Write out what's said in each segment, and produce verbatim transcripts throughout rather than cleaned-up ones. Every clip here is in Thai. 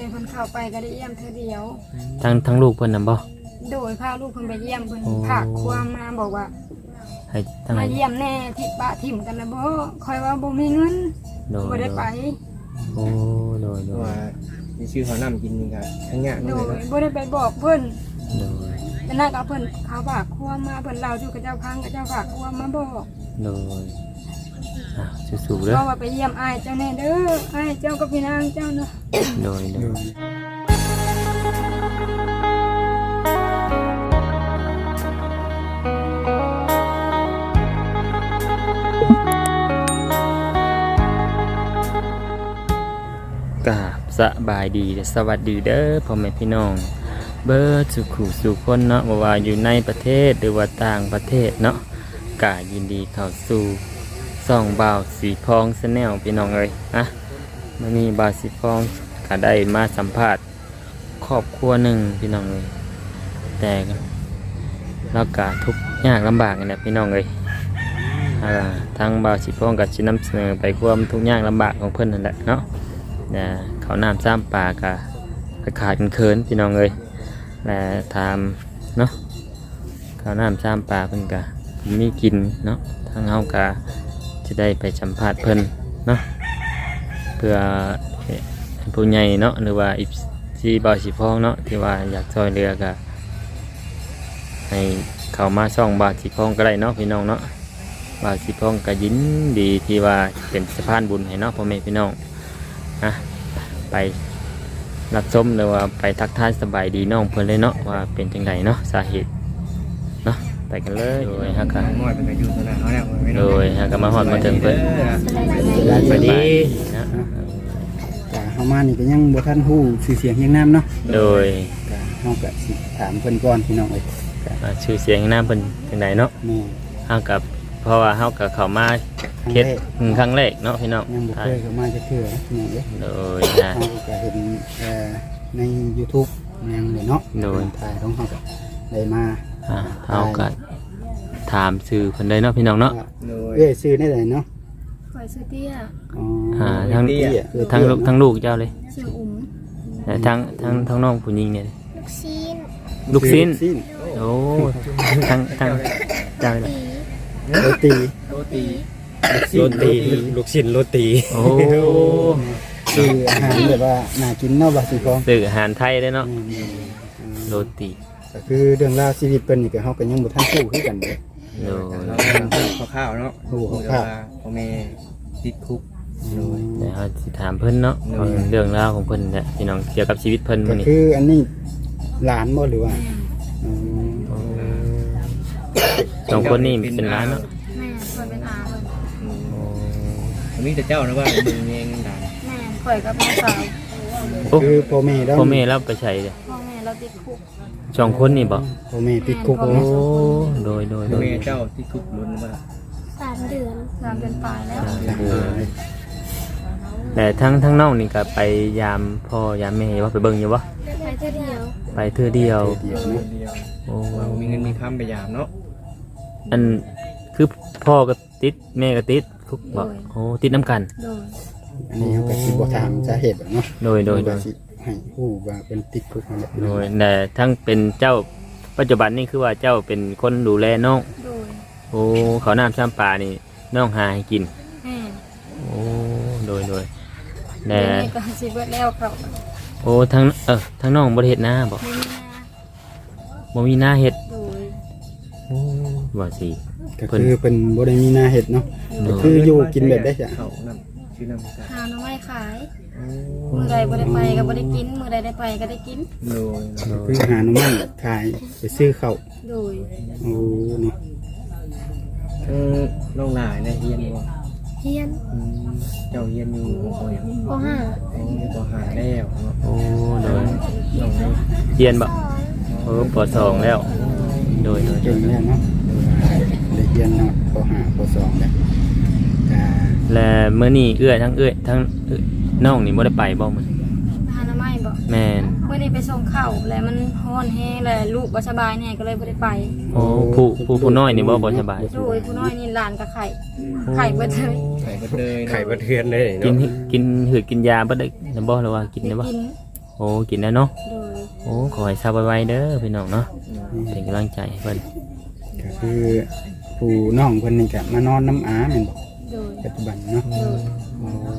เพิ่นเข้าไปก็ได้เยี่ยมเธอเดียวทั้งทั้งลูกเพิ่นน่ะบ่โดยพาลูกเพิ่นไปเยี่ยมเพิ่นฝากความมาบอกว่าให้ทั้งมาเยี่ยมแน่ที่ปะถิ่มกันนะบ่คอยว่าบ่มีเงินบ่ได้ไปโอ้โดยโดยว่ามีชื่อเขานำกินนี่ก็ทั้งยากโดยบ่ได้ไปบอกเพิ่นโดยแต่นั่นก็เพิ่นเขาฝากความมาเพิ่นเล่าอยู่กับเจ้าพังกับเจ้าฝากความมาบอกโดยอ่ะสู้ๆเด้อก็ว่าไปเยี่ยมอ้ายเจ้าแน่เด้ออ้ายเจ้ากับพี่นางเจ้าเนาะโดยโดยกราบสบายดีสวัสดีเด้อพ่อแม่พี่น้องเบิร์ดสุขุสุขคนเนาะว่าอยู่ในประเทศหรือว่าต่างประเทศเนาะกายินดีเข้าสู่ส่องบ่าวสีพองชาแนลพี่น้องเอ้ยนะมันมีบ่าวสีพองก็ได้มาสัมภาษณ์ครอบครัวหนึ่งพี่น้องเอ้ยแต่เรากาทุกข์ยากลำบากเนี่ยพี่น้องเอ้ยทางบ่าวสีพองก็จะนำเสนอไปความทุกข์ยากลำบากของเพื่อนนั่นแหละเนาะนะเขาน้ำซ้ำปลากะขาดกันเคินพี่น้องเลยและทำเนาะเขาน้ำซ้ำปลาเพิ่นกะมีกินเนาะทางเฮากะจะได้ไปสัมภาษณ์เพิ่นเนาะเพื่อผู้ใหญ่เนาะหรือว่าอีซีบอสีฟองเนาะที่ว่าอยากซอยเรือกะให้เขามาซ่องบาสีฟองก็ได้เนาะพี่น้องเนาะบาสีฟองก็ยินดีที่ว่าเป็นสะพานบุญให้เนาะพ่อแม่พี่น้องนะไปรับชมหรือว่าไปทักทายสบายดีน้องเพื่อนเลยเนาะว่าเป็นจังไดเนาะสาเหตุเนาะไปกันเลยโดยฮะกันโดยฮะกันมาหอดมาถึงเพื่อนสวัสดีนะจ้าเฮามานี่ก็ยังบ่ทันฮู้ชื่อเสียงเฮียงนามเนาะโดยเฮาก็สิถามเพิ่นก่อนพี่น้องเอ้ยชื่อเสียงเฮียงนามเพิ่นจังไดเนาะแม่เฮากับเพราะว่าเฮากับเข้ามาเฮ็ดครั้งแรกเนาะพี่น้องยังบ่เคยเข้ามาจักเทื่อพี่น้องเอ้ยโดยนะเฮาก็เห็นเอ่อใน YouTube ยังเลยเนาะโดยถ่ายของเฮาก็ได้มาอ่าเฮาก็ถามชื่อเพิ่นได้เนาะพี่น้องเนาะเอ้ยชื่อได้ไดเนาะข่อยชื่อเตี้ยอ๋ออ่าทั้งทั้งลูกทั้งลูกเจ้าเลยชื่ออุ้มแต่ทั้งทั้งทั้งน้องผู้หญิงเนี่ยลูกชิ้นลูกชิ้นโอ้ทั้งทั้งเจ้าเลยโรตีโรตีโรตีลูกชิ้นโรตีโอ้คืออาหารแบบว่าน่ากินเนาะบ่สิของคืออาหารไทยได้เนาะโรตีก็คือเรื่องราวชีวิตเพิ่นนี่ก็เฮาก็ยังบ่ทันรู้คือกันเด้โดยเราข้าวๆเนาะโอ้ข้าวพ่อแม่ติดคุกโดยเดี๋ยวสิถามเพิ่นเนาะเรื่องราวของเพิ่นเนี่ยพี่น้องเกี่ยวกับชีวิตเพิ่นมื้อนี้ก็คืออันนี้หลานบ่หรือว่าอ๋อสองคนนี้เป็นหลานเนาะแม่ข่อยเป็นอาเพิ่นอ๋อมีแต่เจ้านะว่ามึงเองด่าแม่ข่อยกับน้องสาวคือพ่อแม่เราพ่อแม่เราไปใช้เด้พ่อแม่เราติดคุกสองคนนี่บ่พ่อแม่ติดคุกโอ้โดยโดยโดยแม่เจ้าติดคุกลุ้นบ่ล่ะสามเดือนสามเดือนปลายแล้วแต่ทั้งทั้งน้องนี่ก็ไปยามพ่อยามแม่ว่าไปเบิ่งอยู่บ่ไปเทื่อเดียวไปเทื่อเดียวโอ้มีเงินมีคำไปยามเนาะอันคือพ่อก็ติดแม่ก็ติดคุกบ่โอ้ติดน้ำกันอันนี้เขาก็สิบ่ถามสาเหตุเนาะโดยโดยโดยให้ฮู้ว่าเป็นติดคุกนั่นแหละโดยแต่ทั้งเป็นเจ้าปัจจุบันนี่คือว่าเจ้าเป็นคนดูแลน้องโดยโอ้เขาน้ำซ้ำปลานี่น้องหาให้กินอืมโอ้โดยโดยแต่ก็สิเบิดแล้วเขาโอ้ทั้งเออทั้งน้องบ่ได้เฮ็ดนาบ่บ่มีนาเฮ็ดโดยโอ้ว่าสิก็คือเป็นบ่ได้มีนาเฮ็ดเนาะก็คืออยู่กินแบบได้จ้ะเขานำชื่อนำหาหน่อไม้ขายมื้อใดบ่ได้ไปก็บ่ได้กินมื้อใดได้ไปก็ได้กินโดยคือหาหน่อไม้ขายไปซื้อข้าวโดยโอ้เนาะเออน้องหลายนะเฮียนบ่เฮียนเจ้าเฮียนอยู่บ่ยังป.ห้าอ๋อป.ห้าแล้วโอ้โดยน้องเฮียนบ่เออป.สองแล้วโดยโดยเก่งแล้วเนาะได้เรียนเนาะป.ห้า ป.สองแล้วและมื้อนี้เอื้อยทั้งเอื้อยทั้งน้องนี่บ่ได้ไปบ่มื้อหาหน่อไม้บ่แม่นมื้อนี้ไปส่งข้าวแล้วมันร้อนแฮงแล้วลูกบ่สบายแน่ก็เลยบ่ได้ไปโอ้ผู้ผู้ผู้น้อยนี่บ่บ่สบายโอ้ยผู้น้อยนี่หลานก็ไข้ไข้เบิดเลยไข้เบิดเลยไข้เบิดเทือนเลยกินกินหืดกินยาบ่ได้บ่หรือว่ากินได้บ่กินโอ้กินแล้วเนาะโดยโอ้ขอให้ทราบไวๆเด้อพี่น้องเนาะเป็นกำลังใจให้เพิ่นก็คือผู้น้องเพิ่นนี่ก็มานอนน้ำอาแม่นบ่โดยปัจจุบันเนาะโดยโอ้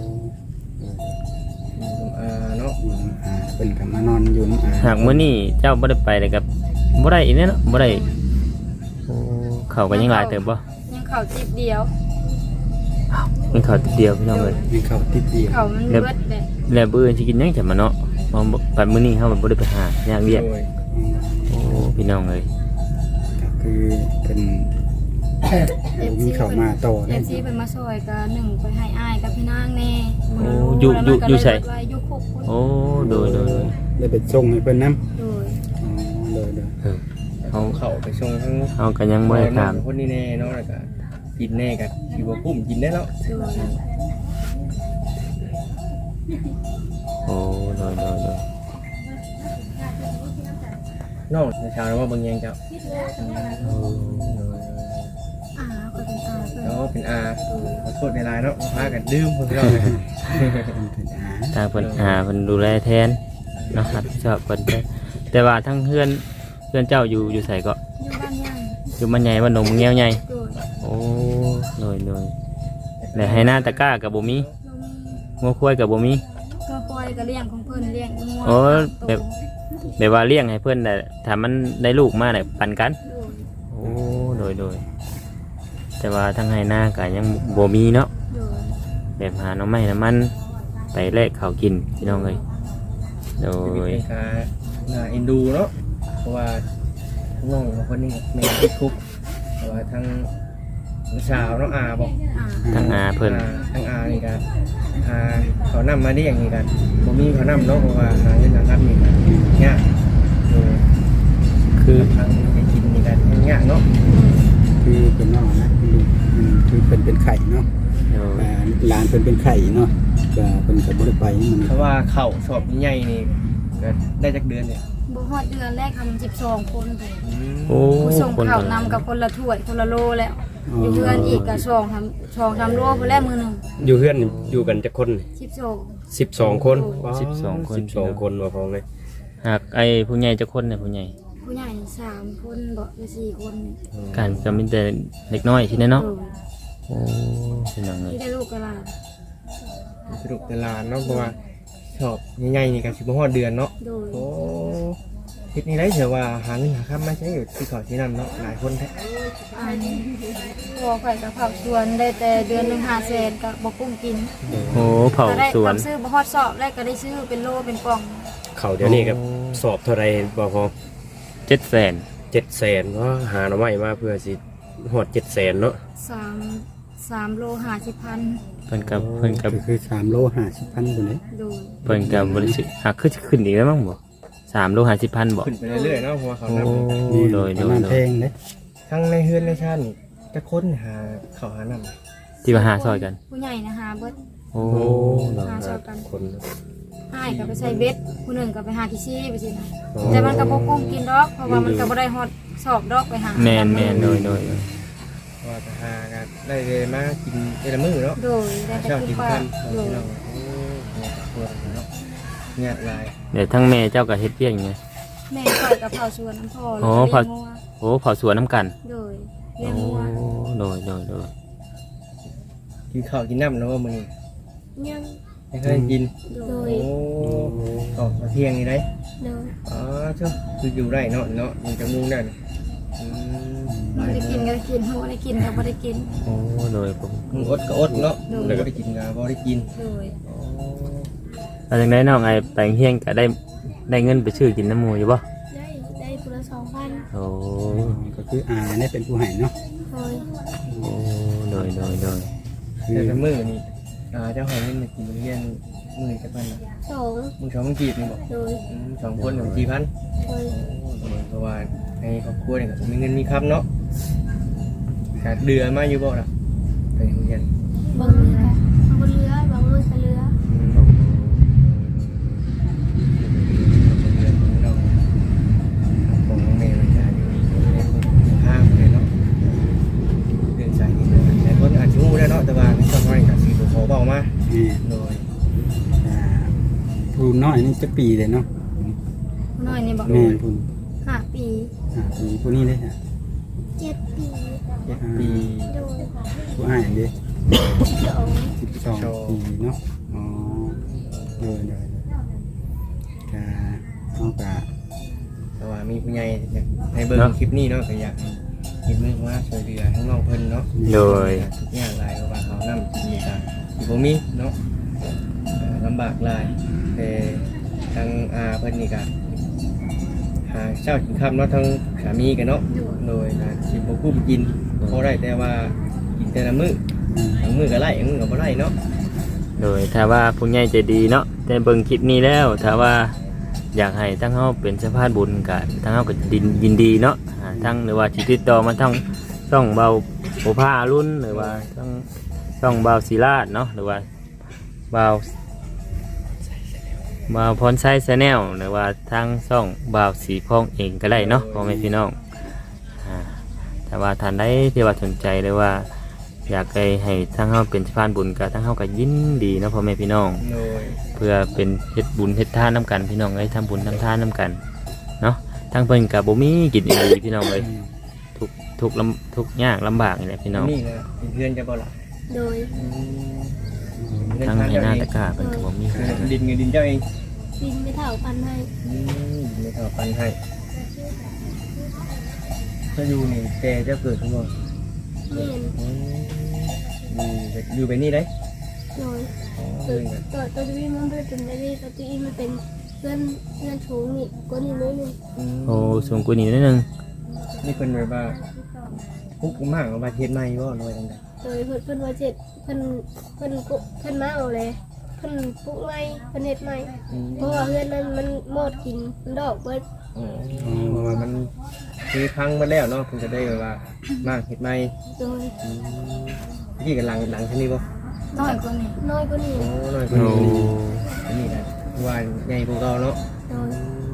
อ่าเนาะอยู่น้ำอาเพิ่นก็มานอนอยู่น้ำอาหากมื้อนี้เจ้าบ่ได้ไปเลยกับบ่ได้อีกแน่เนาะบ่ได้โอ้เขาก็ยังหลายเติบบ่ยังเข่าจิบเดียวมีเขาติดเดียวพี่น้องเอ้ยมีเขาติดเดียวเข่ามันเบิดเลยแล้วมื้ออื่นสิกินหยังจ้ะมาเนาะมาไปมื้อนี้เฮาบ่ได้ไปหาอยากเรียกโดยอืมโอ้พี่น้องเอ้ยก็คือเป็นโอ้มีเขามาต่อเอได้ฟซีเป็นมาซอยกับหนึ่งไปให้อ้ายกับพี่นางแน่โอ้อยู่อยู่อยู่ไสไว้อยู่คุกคุณโอ้โดยโดยโดยได้ไปส่งให้เพิ่นนํโดยอ๋อเลยเด้อเออเขาเข้าไปชงทั้งเฮาก็ยังบ่ได้ถามคนนี้แน่เนาะแล้วก็กินแน่กันสิบ่คุ้มกินได้แล้วโดยโอ้โดยโดยโดยน้องชาวว่าเบิ่งแยงเจ้าโอ้อ่าก็เป็นอาเพิ่นเนาะเป็นอาขอโทษในไลน์เนาะพากันดื่มเพิ่นเนาะเป็นอาทางเพิ่นหาเพิ่นดูแลแทนเนาะรับผิดชอบเพิ่นแต่แต่ว่าทั้งเพื่อนเพื่อนเจ้าอยู่อยู่ไสก็อยู่บ้านย่างอยู่มันใหญ่บ้านหนองเงี้ยวใหญ่โดยโอ้โดยโดยแต่ให้หน้าตะกร้ากับบ่มีลงงัวควายกับบ่มีก็ปล่อยก็เลี้ยงของเพิ่นเลี้ยงงัวโอ้ตัแบบ แบบว่าเลี้ยงให้เพิ่นแต่ถ้ามันได้ลูกมาได้ปันกันโดยโอ้โดยโดยแต่ว่าทั้งให้หน้าก็ยังบ่มีเนาะโดยแบบหาหน่อไม้น้ำมันไปแลกข้าวกินพี่น้องเอ้ยโดชีวิตยในการน่าเอ็นดูเนาะเพราะว่าน้องคนนี้แม่ติดคุกเพราะว่าทั้งสาวน้องอาบอกอ่าทั้งอาเพิ่นอ่าทั้งอานี่กันอาเขานำมาได้อย่างนี้กันบ่มีเขานำเนาะเพราะว่าหาเงินหาครับนี่กันยากเออคือทางไปกินนี่กันยากเนาะคือเป็นน้องนะคือลูกอืมคือเป็นเป็นไข่เนาะโดยอ่าหลานเป็นเป็นไข่เนาะก็เป็นก็บ่ได้ไปมันเพราะว่าเข่าสอบใหญ่ๆนี่ก็ได้จักเดือนเนี่ยบ่ฮอดเดือนแรกทำสิบสองคนเลยโอ้ผู้ส่งคนข่าวละนำกับคนละถ้วยคนละโลแล้วอยู่เพื่อนอีกกับสองทำสองทำโลไปแล้วมือหนึ่งอยู่เพื่อนอยู่กันจะคนสิบสองสิบสองคนสิบสองคนสิบสองคนมาพร้อมเลยหากไอ้ผู้ใหญ่จะคนเนี่ยผู้ใหญ่ผู้ใหญ่สามคนบ่หรือสี่คนนี่การก็มีแต่เด็กน้อยที่นั่นเนาะโดยโอ้เป็นยังไงที่ได้ลูกกระลาสรุปแต่ลานเนาะเพราะว่าสอบใหญ่ๆนี่กันสิบหอดเดือนเนาะโดยโอ้คิดนี่ได้เถอะว่าหาเงินหาค่ามาใช้อยู่ที่เขาที่นั่นเนาะหลายคนแท้อันพอข่อยกับผักสวนได้แต่เดือนหนึ่งห้าแสนกับบ่กุ้งกินโอ้เผาก็ได้สวนทำซื้อบ่ฮอดสอบแรกก็ได้ซื้อเป็นโลเป็นกล่องเขาเดี๋ยวนี้ครับสอบเท่าไรบอพอเจ็ดแสนเจ็ดแสนเพราะหาหน่อไม้มาเพื่อสิหอดเจ็ดแสนเนาะสามสามโลห้าสิบพันเพิ่นกับเพิ่นกับก็คือสามโลห้าสิบพันคนเลยโดยเพิ่นกับบริษัทหากขึ้นขึ้นอีกแล้วมั้งบ่สามโลห้าสิบพันบ่ขึ้นไปเรื่อยๆเนาะเพราะว่าเขาโอ้นำนี่โดยปโดระยมาณโดแพยงเด้ทั้งในเฮือนในชาตินี่จะค้นหาเขาหานำที่ว่าหาซอยกันผู้ใหญ่นะฮะเบิดโอ้โดยหาซอยกันคนให้ก็ไปใส่เบ็ดผู้หนึ่งก็ไปหาที่ซี่ไปสินะแต่มันก็บ่กุ้งกินดอกเพราะว่ามันก็บ่ได้ฮอดสอบดอกไปหาแมนแมนโดยโดยว่าจะหากันได้เลยมากินแต่ละมื้อเนาะโดยได้แต่เช้าคุกิณนป้าค่ำโดพี่ยน้องโอ้เนี่ยครัวเนาะเนี่ยหลายเดี๋ยวทั้งแม่เจ้ากับเฮ็ดเพียงไงแม่ข่อยกับเผาสวนน้ำพอโอ้แล้วก็เผาเลี้ยงงัวโอ้เผาสวนน้ำกันโดยเลี้ยโอ้งงัวโดยโดยโดยกินข้าวกินน้ำแล้วว่ามื้อนี้ยังไม่เคยกินโดยโอ้ออกมาเที่ยงนี่ได้โดยอ๋อเจ้าคืออยู่ได้เนาะเนาะอยู่จังมุงได้นี่อืมบ่ได้กินก็ได้กินหัวได้กินก็บ่ได้กินโอ้โดยผมมึงอดก็อดเนาะโดยแล้วก็ได้กินก็บ่ได้กินโดยอ๋อแล้วจังไดน้องไอ้แปลงเฮียงก็ได้ได้เงินไปซื้อกินน้ำหมูอยู่บ่ได้ได้คนละสองพันโอ้ก็คืออาเนี่ยเป็นผู้ให้เนาะโดยโอ้โดยโดยโดยคือแต่ละมื้อนี่อ่าเจ้าให้เงินมากินโรงเรียนมื้อจักพันน่ะสองมึงสองมึงจีบนี่บ่โดยอืมสองคนหนึ่งกี่พันโดยโอ้เพราะว่าให้ครอบครัวเนี่ยก็มีเงินมีครับเนาะขาดเดือนมาอยู่บ่ล่ะไปโรงเรียนบางมือก็บางเรือบางมือก็เรืออืมเดือนของเราของน้องเมย์มันจะอยู่ในห้างเลยเนาะเรื่องสายนี้แต่คนอาจจะรู้ได้เนาะแต่ว่าในช่วงนี้ก็สิบ่ขอบอกมานี่โดยอ่าผู้น้อยนี่จะปีเลยเนาะผู้น้อยนี่บอกแม่นพุ่นห้าปีอ่าปีผู้นี้เลยฮะเจ็ดปีเจ็ดปีโดยผู้อ้ายเด้สองสิบสองปีเนาะอ๋อโดยโดยกะเฮากะแต่ว่ามีผู้ใหญ่อยากให้เบิ่งคลิปนี้เนาะก็อยากให้เห็นมือว่าช่วยเหลือทั้งน้องเพิ่นเนาะโดยทุกอย่างหลายเพราะว่าเขานำมีการที่บ่มีเนาะเอ่อลำบากหลายแต่ทางอาเพิ่นนี่ก็หาเช้ากินค่ำเนาะทั้งสามีกันเนาะโดยการสิบ่คุ้มกินพอได้แต่ว่ากินแต่ละมื้ออืมทั้งมื้อก็ไล่ทั้งมื้อก็บ่ไล่เนาะโดยถ้าว่าผู้ใหญ่ใจดีเนาะแต่เบิ่งคลิปนี้แล้วถ้าว่าอยากให้ทั้งเฮาเป็นสะพานบุญก็ทั้งเฮาก็ดินยินดีเนาะอ่าทั้งหรือว่าสิติดต่อมาทั้งช่องเบาโอภารุ่นหรือว่าทั้งช่องเบาศิลาดเนาะหรือว่าเบาเบาพรไซส์แนลหรือว่าทั้งช่องเบาสีพองเองก็ได้เนาะพ่อแม่พี่น้องอ่าแต่ว่าท่านใดที่ว่าสนใจหรือว่าอยากให้ให้ทั้งเฮาเป็นสะพานบุญกับทั้งเฮาก็ยินดีเนาะพ่อแม่พี่น้องโดยเพื่อเป็นเฮ็ดบุญเฮ็ดทานน้ำกันพี่น้องเอ้ยทำบุญทำทานน้ำกันเนาะทั้งเพิ่นกับบ่มีกินอีหลีพี่น้องเลยทุกทุกลำทุกยากลำบากนี่แหละพี่น้องนี่นะเป็นเพื่อนจะบ่ล่ะโดยอืมเงินทั้งทางในเจ้าหน้าเองตะกร้าเพิ่นก็บ่มีคือกันดินเงินดินเจ้าเองบินไม่เท่าพันให้อืมไม่เท่าปันให้ถ้าอยู่นี่แต่จะเกิดทั้งหมดเมียนอืมอยู่อยู่ไปนี่ได้โดยอ๋อตัวเงินตัวตัวที่มันเป็นอะไรตัวที่มันเป็นเพื่อนเพื่อนชูงนี่ก็นี่น้อยหนึงอืมโอ้สูงกว่านี้นิดนึงนี่เพิ่นแบบว่าปุ๊กมากเอามาเทศใหม่บ่หน่อยจังได๋โดยเพื่อนเพื่อนว่าเจ็ดเพื่อนเพื่อนกุเพื่อนมาเอาเลยเพื่อนปลุกไม้เพื่อนเฮ็ดไม้อืมเพราะว่าเพื่อนนั้นมันหมดกินมันดอกเบิดอ๋อเพราะว่ามันคือพังมาแล้วเนาะเพิ่นจะได้แบบว่ามากเฮ็ดใหม่โดยอืมนี่กันหลังหลังเท่านี้บ่น้อยกว่านี้น้อยกว่านี้โอ้น้อยกว่าโอ้นี้อันนี้นะว่าใหญ่กว่าเก่าเนาะโดย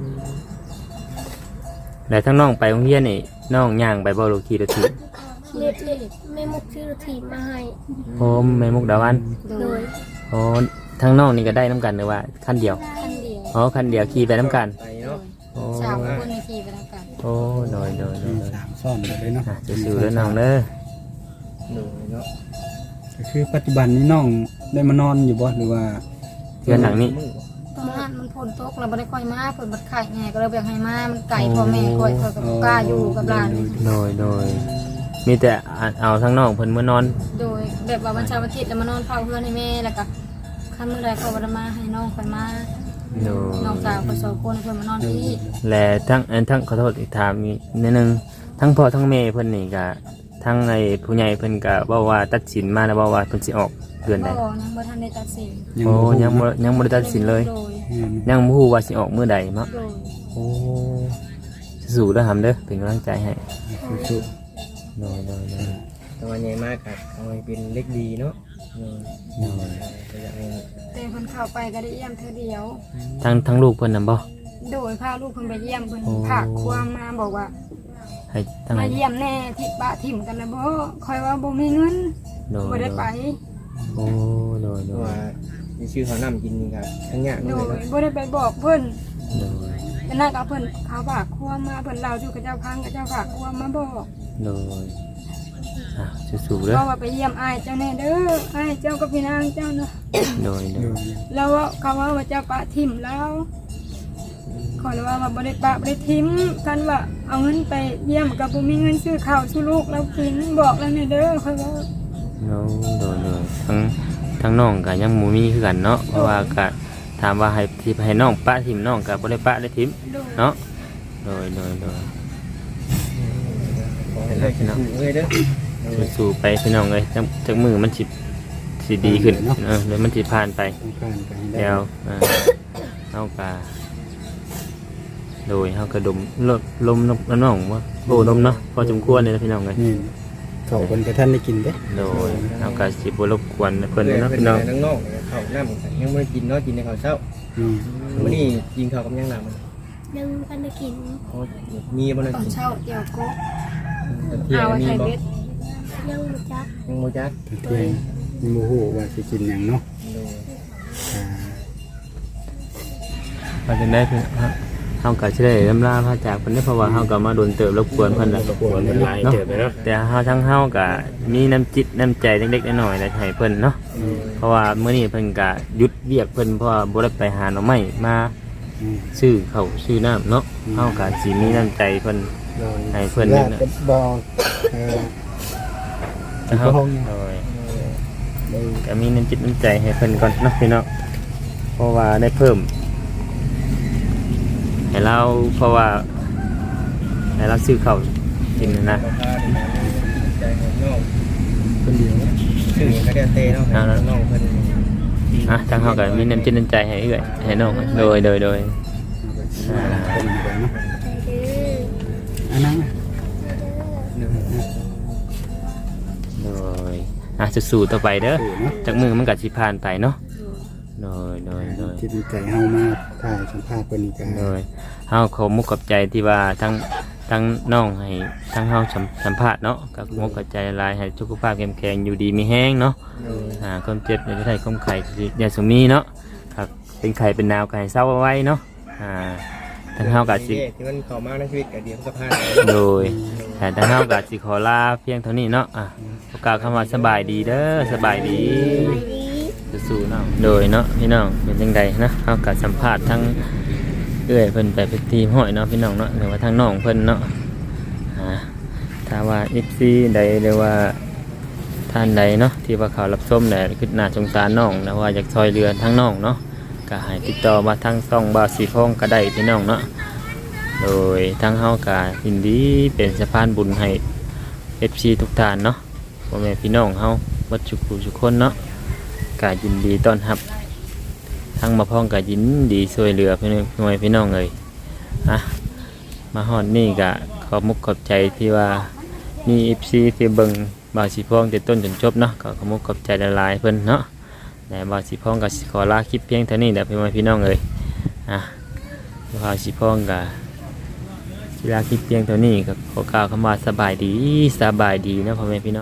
แล้วทั้งน้องไปโรงเรียนนี่น้องย่างไปบ่ลูกขี่รถถีบเล็ดเล็ดแม่มุกชื่อทีมมาให้โอ้แม่มุกดาวันโดยโอ้ทั้งน้องนี่ก็ได้น้ำกันหรือว่าคันเดียวคันเดียวอ๋อคันเดียวขี่ไปน้ำกันไปเนาะโอ้สาวคนในทีไปแล้วกันโอ้โดยโดยโดมียโดยสามซ่อนเลยเนาะอ่ะสู้ๆเด้อน้องเด้อหนูเนาะก็คือปัจจุบันนี้น้องได้มานอนอยู่บ่หรือว่าเพื่อนหลังนี้ตอนนั้นมันฝนตกเราไม่ได้ค่อยมาฝนมันไข่ไงก็เลยแบ่งให้มามันไก่พ่อแม่ค่อยค่อยกับกล้าอยู่กับหลานโดยโดยมีแต่เอาทั้งน้องเพิ่นเมื่อนอนโดยแบบว่าวันเช้าวันอาทิตย์แล้วมานอนเฝ้าเพื่อนให้แม่แล้วก็คันเมื่อไรก็วันมาให้น้องค่อยมาโดยน้องสาวก็สองคนให้เพื่อนมานอนที่และทั้งอันทั้งขอโทษอีกถามอีกนิดนึงทั้งพ่อทั้งแม่เพิ่นนี่ก็ทั้งไอ้ผู้ใหญ่เพิ่นก็เว้าว่าตัดสินมาแล้วเว้าว่าเพิ่นสิออกเดือนใดบ่ยังบ่ทันได้ตัดสินโอ้ยังบ่ยังบ่ได้ตัดสินเลยโดยยังบ่ฮู้ว่าสิออกมื้อใดเนาะโดยโอ้สู้ๆเด้อหำเด้อเป็นกำลังใจให้สู้โดยโดยโดยแต่ว่าใหญ่มากครับเอาให้เป็นเล็กดีเนาะเออโดยก็อยากให้แต่เพิ่นเข้าไปก็ได้เยี่ยมเธอเดียวทั้งทั้งลูกเพิ่นนำบ่โดยพาลูกเพิ่นไปเยี่ยมเพิ่นโอ้ผากความมาบอกว่าให้ทั้งมาเยี่ยมแน่ที่ปะถิ่มกันนะบ่คอยว่าบ่มีเงินโดยบ่ได้ไปโอ้โดยเพโดราะยว่ามีชื่อเขานำกินนี่ครับทั้งยากโดเลยยเนาะบ่ได้ไปบอกเพิ่นโดยแต่นั่นก็เพิ่นเขาฝากความมาเพิ่นเล่าอยู่กับเจ้าพังกับเจ้าฝากความมาบอกโดยอ่ะสู้ๆเด้อเพราะว่าไปเยี่ยมอ้ายเจ้าแน่เด้ออ้ายเจ้ากับพี่นางเจ้าเนาะโดยโดๆยแล้วว่าเขาว่าว่าเจ้าปะถิ่มแล้วขอเลยว่าว่าบ่ได้ปะบ่ได้ทิมกันว่าเอาเงินไปเยี่ยมกับบ่มีเงินซื้อข้าวซื้อลูกแล้วกินบอกแล้วแน่เด้อค่อยว่าโดยโดยโดยทั้งทั้งน้องก็ยังบ่มีคือกันเนาะเพราะว่าก็ถามว่าให้ที่ให้น้องปะทิมน้องก็บ่ได้ปะได้ทิมโดยเนาะโดยโดยโดยขอให้ได้ชนะเลยเด้อสู้ๆไปพี่น้องเอ้ยจักจักมือมันสิสิดีขึ้นเออเดี๋ยวมันสิผ่านไปต้องการไปให้ได้แล้วเอ่อเฮาก็โดยเฮาก็ดมลดลมน้ำน้องว่าโอ้ลมเนาะพอสมควรเลยนะพี่น้องเอ้ยนี่เขาคนกระท่านได้กินเด้โดยเฮาก็สิบ่รบกวนเพิ่นเพื่อนเนาะเป็นพี่น้องทั้งนอกเขาน้ำยังไม่ได้กินเนาะกินในข้าวเช้าอืมวันนี้กินข้าวกับยังหนามันยังกันได้กินโอ้มีบ่ได้ตอนกินเช้าเดี๋ยวก็ตอนเที่ยงเอามีไข่บ่เบ็ดยังบ่จักยังบ่จักตะเที่ยงมีโมโหว่าสิกินหยังเนาะโดยอ่าว่าจังได๋เพิ่นฮะเฮาก็สิได้ลำลาพระจากเพิ่นได้อเพราะว่าเฮาก็มาโดนเติบรบกวนเพิ่นน่ะรบกวนมันหลายเติบไปเนาะแต่เฮาทั้งเฮาก็มีน้ำจิตน้ำใจเล็กๆน้อยๆได้ให้เพิ่นเนาะเพราะว่ามื้อนี้เพิ่นก็หยุดเวียกเพิ่นเพราะว่าบ่ได้ไปหาหน่อไม้มาอืมซื้อข้าวซื้อน้ำเนาะเฮาก็สิมีน้ำใจเพิ่นโดยให้เพิ่นญานี่ตินะก็บอกเออเฮาเพิ่นโดยได้ก็มีน้ำจิตน้ำใจให้เพิ่นก่อนเนาะพี่น้องเพราะว่าได้เพิ่มให้เราเพราะว่าให้เราซื้อข้าวกินนะนะบ่พาดีนะใจของน้องคนเดียวชื่อก็เดียวเตเนาะให้น้องเพิ่นอ่ะทางเฮาก็มีน้ำจิตน้ำใจให้เอื้อยให้น้องโดยโดยโดยอ่าคนเดียวเนาะอันนั้นน่ะโดยอ่ะสู้ๆต่อไปเด้อสู่เนาะจากมือมันก็สิผ่านไปเนาะโดยโดยโดยจิตใจเฮามาถ่ายสัมภาษณ์เพิ่นนี่ก็โดยเฮาขอมุกกับใจที่ว่าทั้งทั้งน้องให้ทั้งเฮาสัมสัมภาษณ์เนาะกับมุกกับใจหลายให้สุขภาพเข้มแข็งอยู่ดีมีแห้งเนาะอ่าความเจ็บอย่าได้ความไข้อย่าสมีเนาะครับเป็นไข้เป็นหนาวก็ให้เศร้าเอาไว้เนาะอ่าทั้งเฮาก็สิที่มันเข้ามาในชีวิตก็เดี๋ยวมันก็ผ่านไปโดยแต่ทั้งเฮาก็สิขอลาเพียงเท่านี้เนาะอ่ะประกล่าวคำว่าสบายดีเด้อสบายดีสู้ๆเนาะโดยเนาะพี่น้องเป็นจังไดนะเฮาก็สัมภาษณ์ทั้ง เอื้อยเพิ่นไปเป็นทีมห้อยเนาะพี่น้องเนาะหรือว่าทางน้องเพิ่นเนาะอ่าถ้าว่า เอฟ ซี ใดหรือว่าท่านใดเนาะที่ว่าเขารับชมเนี่ยคือน่าสงสารน้องนะว่าอยากซอยเรือทางน้องเนาะก็ให้ติดต่อมาทางช่องบาวสีพองก็ได้พี่น้องเนาะโดยทางเฮาก็ยินดีเป็นสะพานบุญให้ เอฟ ซี ทุกท่านเนาะพ่อแม่พี่น้องเฮาวัดทุกผู้ทุกคนเนาะก็ยินดีต้อนรับ ทั้งมาพ้องกับยินดีช่วยเหลือพี่น้องพี่น้องเลยอ่ะมาฮอดนี่กะขอบมุกขอบใจที่ว่ามีเอฟซีที่เบิ่งบาวสีพ้องแต่ต้นจนจบเนาะก็ขอบมุกขอบใจละลายเพิ่นเนาะแต่บาวสีพ้องก็ขอลาคลิปเพียงเท่านี้แหละพี่น้องพี่น้องเลยอ่ะบาวสีพ้องก็สิลาคลิปเพียงเท่านี้ก็ขอกล่าวคำว่าสบายดีสบายดีนะพ่อแม่พี่น้อง